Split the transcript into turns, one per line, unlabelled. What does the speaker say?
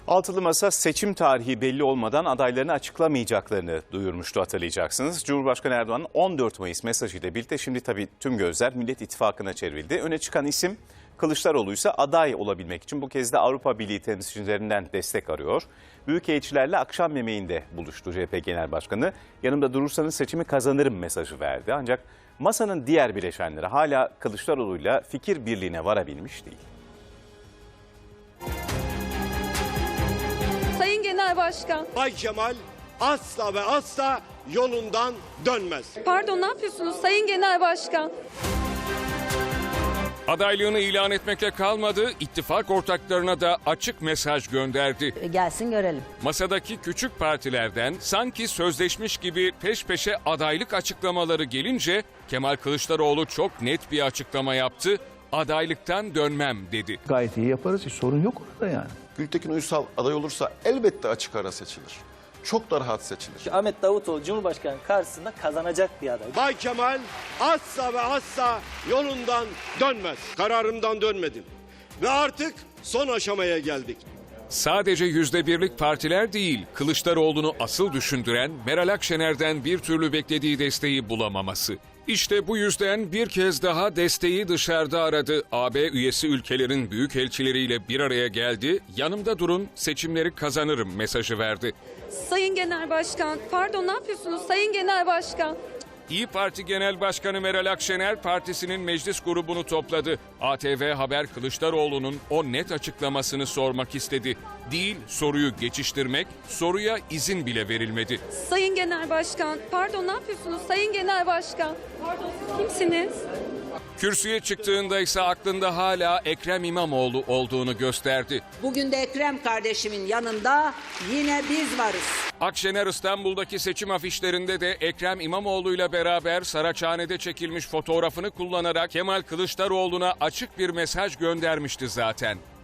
Altılı Masa seçim tarihi belli olmadan adaylarını açıklamayacaklarını duyurmuştu, hatırlayacaksınız. Cumhurbaşkanı Erdoğan'ın 14 Mayıs mesajıyla birlikte şimdi tabii tüm gözler Millet İttifakı'na çevrildi. Öne çıkan isim Kılıçdaroğlu ise aday olabilmek için bu kez de Avrupa Birliği temsilcilerinden destek arıyor. Büyükelçilerle akşam yemeğinde buluştu CHP Genel Başkanı. Yanımda durursanız seçimi kazanırım mesajı verdi. Ancak masanın diğer bileşenleri hala Kılıçdaroğlu'yla fikir birliğine varabilmiş değil.
Sayın Genel Başkan.
Bay Kemal asla ve asla yolundan dönmez.
Pardon, ne yapıyorsunuz Sayın Genel Başkan?
Adaylığını ilan etmekle kalmadı, ittifak ortaklarına da açık mesaj gönderdi.
Gelsin görelim.
Masadaki küçük partilerden sanki sözleşmiş gibi peş peşe adaylık açıklamaları gelince Kemal Kılıçdaroğlu çok net bir açıklama yaptı. Adaylıktan dönmem dedi.
Gayet iyi yaparız. Hiç sorun yok orada yani.
Gültekin Uysal aday olursa elbette açık ara seçilir. Çok da rahat seçilir.
Ahmet Davutoğlu Cumhurbaşkanı karşısında kazanacak bir aday.
Bay Kemal asla ve asla yolundan dönmez. Kararımdan dönmedim. Ve artık son aşamaya geldik.
Sadece %1'lik partiler değil, Kılıçdaroğlu'nu asıl düşündüren Meral Akşener'den bir türlü beklediği desteği bulamaması. İşte bu yüzden bir kez daha desteği dışarıda aradı. AB üyesi ülkelerin büyükelçileriyle bir araya geldi. Yanımda durun, seçimleri kazanırım mesajı verdi.
Sayın Genel Başkan. Pardon, ne yapıyorsunuz Sayın Genel Başkan?
İyi Parti Genel Başkanı Meral Akşener partisinin meclis grubunu topladı. ATV Haber Kılıçdaroğlu'nun o net açıklamasını sormak istedi. Değil, soruyu geçiştirmek, soruya izin bile verilmedi.
Sayın Genel Başkan. Pardon, ne yapıyorsunuz Sayın Genel Başkan? Pardon, siz kimsiniz?
Kürsüye çıktığında ise aklında hala Ekrem İmamoğlu olduğunu gösterdi.
Bugün de Ekrem kardeşimin yanında yine biz varız.
Akşener İstanbul'daki seçim afişlerinde de Ekrem İmamoğlu'yla beraber Saraçhane'de çekilmiş fotoğrafını kullanarak Kemal Kılıçdaroğlu'na açık bir mesaj göndermişti zaten.